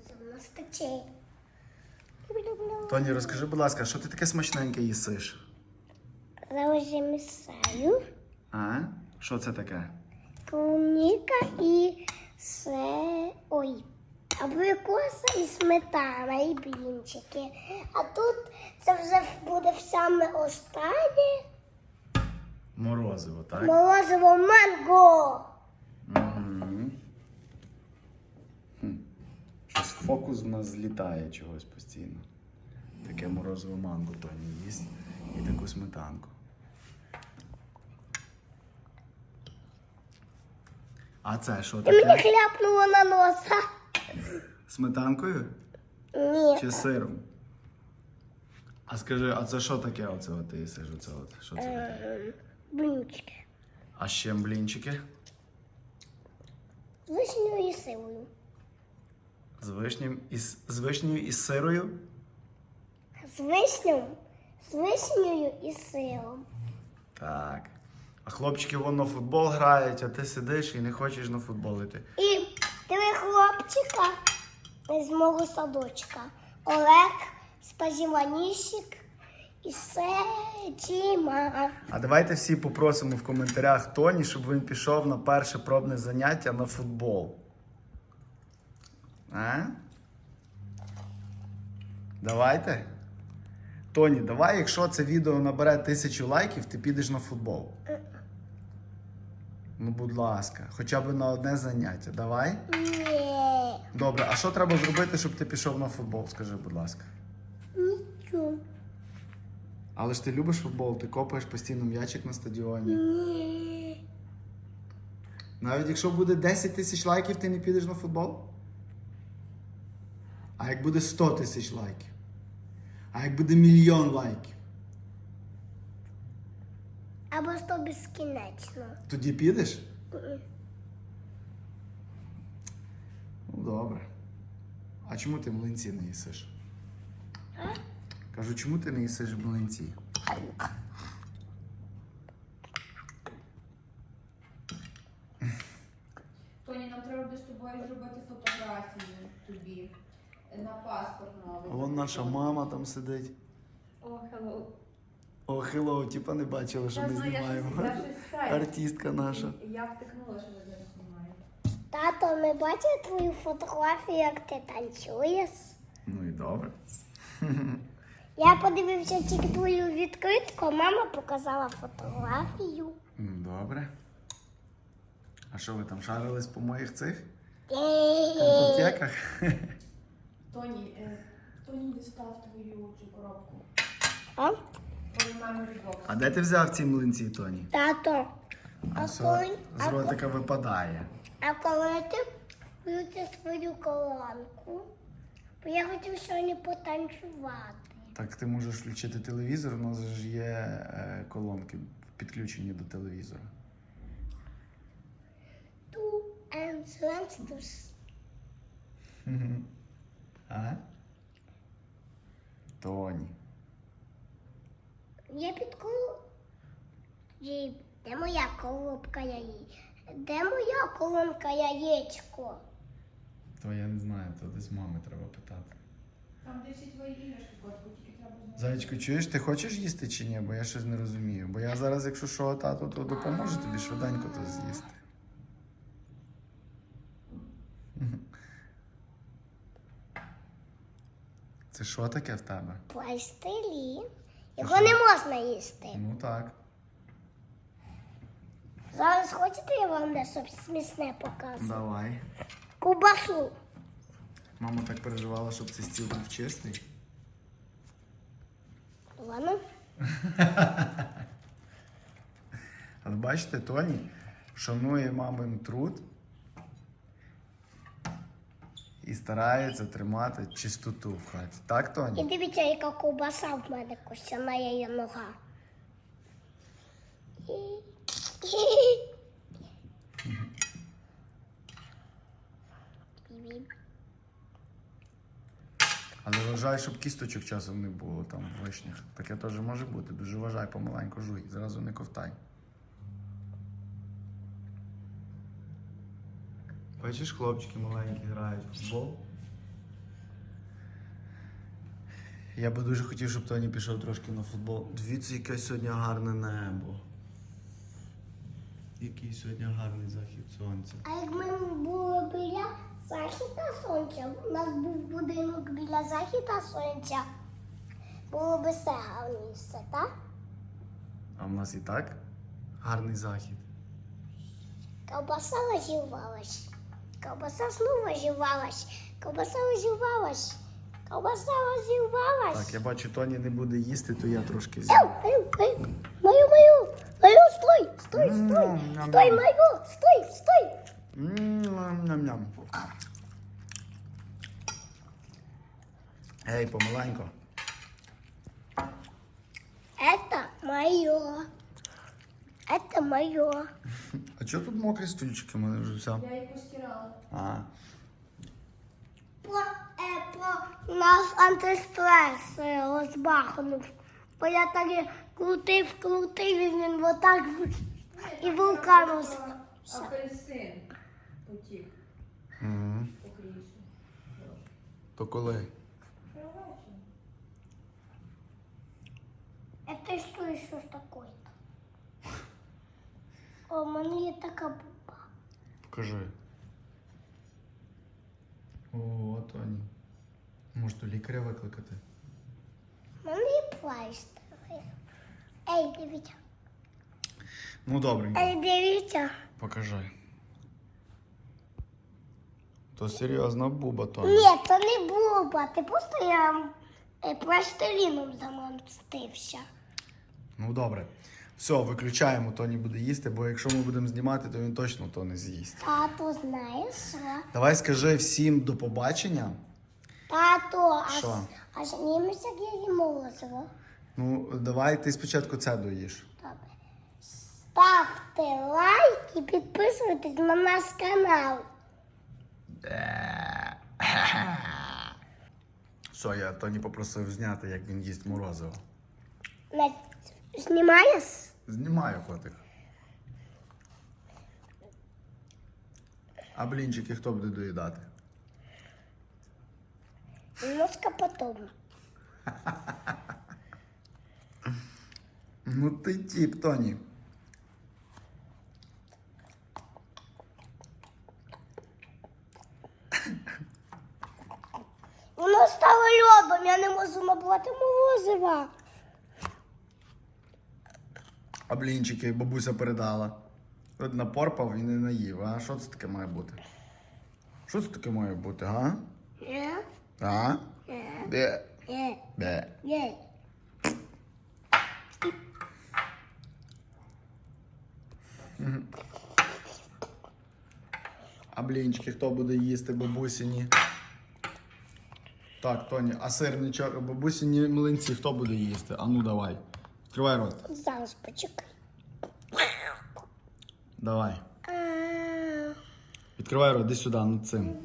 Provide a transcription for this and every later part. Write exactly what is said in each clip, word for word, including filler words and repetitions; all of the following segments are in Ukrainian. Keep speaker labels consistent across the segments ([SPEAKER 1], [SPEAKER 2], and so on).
[SPEAKER 1] У нас тече.
[SPEAKER 2] Тоні, розкажи, будь ласка, що ти таке смачненьке їсиш?
[SPEAKER 1] Зараз я місаю.
[SPEAKER 2] А? Що це таке?
[SPEAKER 1] Клубніка і все. Ой. Абрикоса і сметана, і блінчики. А тут це вже буде в саме останнє.
[SPEAKER 2] Морозиво, так?
[SPEAKER 1] Морозиво манго.
[SPEAKER 2] Угу. Хм. Щось фокус в нас злітає чогось постійно. Таке морозиво манго Тоні їсть і таку сметанку. А це що
[SPEAKER 1] Ти мені
[SPEAKER 2] таке?
[SPEAKER 1] хляпнула на носа.
[SPEAKER 2] Сметанкою
[SPEAKER 1] Ні.
[SPEAKER 2] чи сиром? А скажи, а це що таке оце от ти їсиш? Оце от? Що це таке?
[SPEAKER 1] Ем, Блінчики.
[SPEAKER 2] А ще блінчики
[SPEAKER 1] З вишнею і силою.
[SPEAKER 2] з вишнею і з, з вишнею і з сирою?
[SPEAKER 1] З вишнею, з вишнею і сиром.
[SPEAKER 2] Так. А хлопчики вон на футбол грають, а ти сидиш і не хочеш на футбол йти.
[SPEAKER 1] І три хлопчика з мого садочка. Олег, Спазіванішик і Седіма.
[SPEAKER 2] А давайте всі попросимо в коментарях Тоні, щоб він пішов на перше пробне заняття на футбол. А? Давайте. Тоні, давай, якщо це відео набере тисячу лайків, ти підеш на футбол. Ну, будь ласка, хоча б на одне заняття. Давай?
[SPEAKER 1] Ні.
[SPEAKER 2] Добре, а що треба зробити, щоб ти пішов на футбол? Скажи, будь ласка.
[SPEAKER 1] Нічого.
[SPEAKER 2] Але ж ти любиш футбол, ти копаєш постійно м'ячик на стадіоні.
[SPEAKER 1] Ні.
[SPEAKER 2] Навіть якщо буде десять тисяч лайків, ти не підеш на футбол? А як буде сто тисяч лайків? А як буде мільйон лайків?
[SPEAKER 1] Або сто безкінечно.
[SPEAKER 2] Тоді підеш? Ну, добре. А чому ти млинці не їсиш? Кажу, чому ти не їсиш млинці?
[SPEAKER 3] Тоні, нам треба буде з тобою зробити фотографію тобі на паспорт новий.
[SPEAKER 2] А вон наша мама там сидить.
[SPEAKER 3] О, hello.
[SPEAKER 2] О, хеллоу, типа не бачила, що
[SPEAKER 3] Я
[SPEAKER 2] ми
[SPEAKER 3] знаю, я
[SPEAKER 2] знімаємо.
[SPEAKER 3] щось- я щось це.
[SPEAKER 2] Артистка наша.
[SPEAKER 3] Я втикнула, що ви зараз знімаєте.
[SPEAKER 1] Тато, ми бачили твою фотографію, як ти танцюєш?
[SPEAKER 2] Ну і добре.
[SPEAKER 1] Я подивився тільки твою відкритку, мама показала фотографію.
[SPEAKER 2] Ну, добре. А що ви там шарились по моїх цих
[SPEAKER 1] Е,
[SPEAKER 2] картотеках?
[SPEAKER 3] Тоні, е, Тоні дістав твою цю коробку.
[SPEAKER 1] А?
[SPEAKER 3] Твою memory box.
[SPEAKER 2] А де ти взяв ці млинці, Тоні?
[SPEAKER 1] Тато,
[SPEAKER 2] А
[SPEAKER 1] а
[SPEAKER 2] все
[SPEAKER 1] коли,
[SPEAKER 2] з
[SPEAKER 1] а, ко-
[SPEAKER 2] ротика випадає.
[SPEAKER 1] а коли ти включиш свою колонку, бо я хотів сьогодні потанцювати.
[SPEAKER 2] Так ти можеш включити телевізор, у нас же ж є е, колонки підключені до телевізора.
[SPEAKER 1] Two and transfers.
[SPEAKER 2] А? Тоні.
[SPEAKER 1] Я під коло... Ді, де моя коробка яєць? Де моя колонка яєчко?
[SPEAKER 2] То я не знаю, то десь мами треба питати.
[SPEAKER 3] Там де всі твої іграшки, котку, тільки треба знати.
[SPEAKER 2] Зайчко, чуєш, ти хочеш їсти чи ні? Бо я щось не розумію. Бо я зараз, якщо що, тату, то допоможу тобі швиденько то з'їсти. Це що таке в тебе?
[SPEAKER 1] Пластилін. Його не можна їсти.
[SPEAKER 2] Ну так.
[SPEAKER 1] Зараз хочете, я вам дещо смісне покажу?
[SPEAKER 2] Давай.
[SPEAKER 1] Кубасу.
[SPEAKER 2] Мама так переживала, щоб цей стіл був чистий.
[SPEAKER 1] Ладно.
[SPEAKER 2] Але бачите, Тоні шанує мамин труд і старається тримати чистоту в хаті. Так,
[SPEAKER 1] І
[SPEAKER 2] Тоні?
[SPEAKER 1] дивіться, яка ковбаса в мене костяна її нога. Бі-бі.
[SPEAKER 2] Але вважай, щоб кісточок часом не було там в вишнях. Таке теж може бути. Дуже вважай, помаленьку жуй, зразу не ковтай. Бачиш, хлопчики маленькі грають в футбол. Я би дуже хотів, щоб Тоні пішов трошки на футбол. Дивіться, яке сьогодні гарне небо. Який сьогодні гарний захід сонця.
[SPEAKER 1] А як ми були біля захита сонця, у нас був будинок біля захита сонця, було б все гарніше, так?
[SPEAKER 2] А в нас і так гарний захід.
[SPEAKER 1] Ковбаса розірвалась. Ковбаса знову розірвалась. Ковбаса розірвалась. Ковбаса розірвалась.
[SPEAKER 2] Так, я бачу, Тоні не буде їсти, то я трошки з'їм.
[SPEAKER 1] Ау, ау, ау. Мою, мою, мою, стой, стой,
[SPEAKER 2] М,
[SPEAKER 1] стой,
[SPEAKER 2] ням-ням.
[SPEAKER 1] стой, мою, стой, стой.
[SPEAKER 2] Ням-ням. Ей, помаленько.
[SPEAKER 1] Это мое. Это мое.
[SPEAKER 2] А чого тут мокрі стульчики? У мене вже все.
[SPEAKER 3] Я їх постирала.
[SPEAKER 2] А,
[SPEAKER 1] Про, е, про нас антистрес е, розбахнув. Бо я так і крутив, крутив, і він отак і вулкан роз...
[SPEAKER 3] Апельсин потік
[SPEAKER 2] угу.
[SPEAKER 3] по крісу.
[SPEAKER 2] То коли?
[SPEAKER 1] Это что еще такое-то? О, у мене є така буба.
[SPEAKER 2] Покажи. О, Тоні. Може, то лікаря викликати?
[SPEAKER 1] У мене є пластир. Ей, дивіться.
[SPEAKER 2] Ну, добренько.
[SPEAKER 1] Ей, дивіться.
[SPEAKER 2] Покажи. То серйозна буба, Тоні.
[SPEAKER 1] Ні, це не буба. Ти просто я е, пластиліном замостився.
[SPEAKER 2] Ну, добре. Все, виключаємо, Тоні буде їсти, бо якщо ми будемо знімати, то він точно то не з'їсть.
[SPEAKER 1] Тато, знаєш що?
[SPEAKER 2] Давай скажи всім до побачення.
[SPEAKER 1] Тато,
[SPEAKER 2] Що?
[SPEAKER 1] аж, аж німець, як я їм морозиво.
[SPEAKER 2] Ну, давай ти спочатку це доїш.
[SPEAKER 1] Добре. Ставте лайк і підписуйтесь на наш канал.
[SPEAKER 2] Все, я Тоні попросив зняти, як він їсть морозиво.
[SPEAKER 1] Не знімаєш?
[SPEAKER 2] Знімаю, котик. А блінчики хто буде доїдати?
[SPEAKER 1] Немножко потом.
[SPEAKER 2] Ну ти тіп, Тоні.
[SPEAKER 1] Воно стало льодом, я не можу набрати морозива.
[SPEAKER 2] А блінчики бабуся передала. От напорпав і не наїв. А що це таке має бути? Що це таке має бути, га?
[SPEAKER 1] Ні,
[SPEAKER 2] А?
[SPEAKER 1] ні,
[SPEAKER 2] Де?
[SPEAKER 1] ні,
[SPEAKER 2] Де?
[SPEAKER 1] ні.
[SPEAKER 2] А блінчики хто буде їсти бабусіні? Так, Тоні, а сирничок, бабусіні млинці хто буде їсти? А ну давай. Відкривай рот.
[SPEAKER 1] Зараз почекай.
[SPEAKER 2] Давай.
[SPEAKER 1] А,
[SPEAKER 2] Відкривай рот, іди сюди, над цим.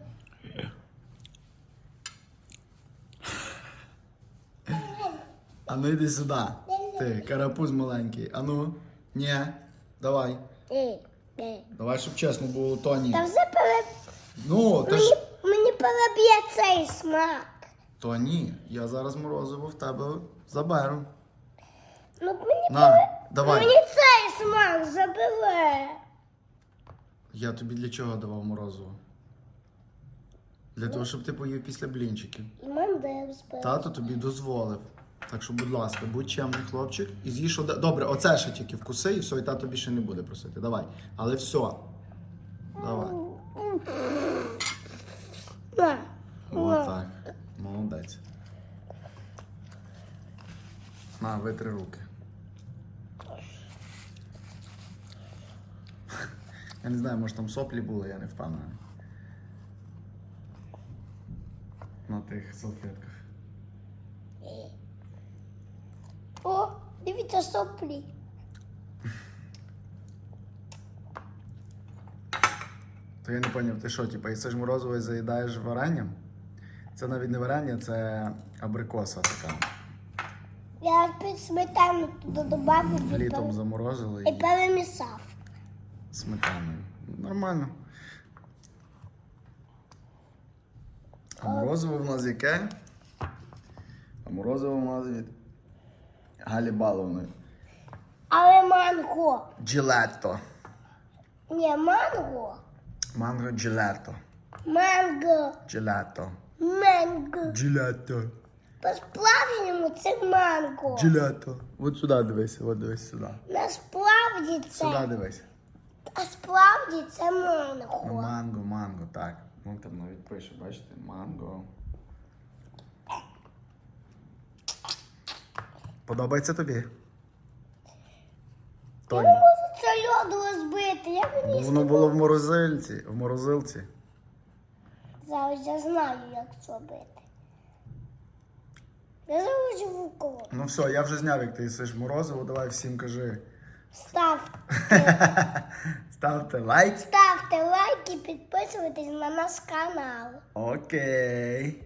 [SPEAKER 2] А ну йди сюди. Ти, карапуз маленький. А ну. Ні. Давай.
[SPEAKER 1] ні, ні.
[SPEAKER 2] Давай, щоб чесно було, Тоні.
[SPEAKER 1] Та вже пере...
[SPEAKER 2] Ну, та
[SPEAKER 1] мені,
[SPEAKER 2] ж...
[SPEAKER 1] мені переб'є цей смак.
[SPEAKER 2] Тоні, я зараз морозиво в тебе заберу.
[SPEAKER 1] Ну, мені,
[SPEAKER 2] На,
[SPEAKER 1] пере...
[SPEAKER 2] давай.
[SPEAKER 1] мені цей смак забере.
[SPEAKER 2] Я тобі для чого давав морозиво? Для того, щоб ти поїв після блінчиків.
[SPEAKER 1] І мандел збере.
[SPEAKER 2] Тато тобі дозволив. Так що, будь ласка, будь чемний хлопчик і з'їж оде... Добре, оце ще тільки вкуси і все, і тато більше не буде просити. Давай. Але все. Давай.
[SPEAKER 1] На.
[SPEAKER 2] Отак. Молодець. На, витри руки. Я не знаю, може там соплі були, я не впевнений. На тих салфетках.
[SPEAKER 1] О, дивіться соплі.
[SPEAKER 2] То я не зрозумів, ти що, типу, їсиш морозиво і заїдаєш варенням? Це навіть не варення, це абрикоса така.
[SPEAKER 1] Я під сметану туди додав і,
[SPEAKER 2] Літом
[SPEAKER 1] пере...
[SPEAKER 2] заморозили
[SPEAKER 1] і
[SPEAKER 2] і
[SPEAKER 1] перемісав.
[SPEAKER 2] сметаною. Нормально. А морозиво в нас яке? А Морозиво у нас від Галі Баловної.
[SPEAKER 1] Але манго.
[SPEAKER 2] Джилетто.
[SPEAKER 1] Ні, манго.
[SPEAKER 2] Манго джилетто.
[SPEAKER 1] Манго.
[SPEAKER 2] Джилетто.
[SPEAKER 1] Манго.
[SPEAKER 2] Джилетто.
[SPEAKER 1] По-справжньому це манго.
[SPEAKER 2] Джилетто. От сюди дивись, от дивись сюди.
[SPEAKER 1] Насправді
[SPEAKER 2] Сюди
[SPEAKER 1] це.
[SPEAKER 2] дивись.
[SPEAKER 1] А справді це
[SPEAKER 2] Ну,
[SPEAKER 1] манго.
[SPEAKER 2] манго, манго, так. Ну там навіть пише, бачите, манго. Подобається тобі?
[SPEAKER 1] Я
[SPEAKER 2] Тоні.
[SPEAKER 1] не можу це льоду розбити. Я
[SPEAKER 2] Бо
[SPEAKER 1] мені
[SPEAKER 2] воно було в морозильці, в морозилці.
[SPEAKER 1] зараз я знаю, як зробити. Я зараз в коло.
[SPEAKER 2] Ну все, я вже зняв, як ти їсиш морозиво, давай всім кажи.
[SPEAKER 1] Ставте,
[SPEAKER 2] Ставте лайк.
[SPEAKER 1] ставте лайк і підписуйтесь на наш канал.
[SPEAKER 2] Окей.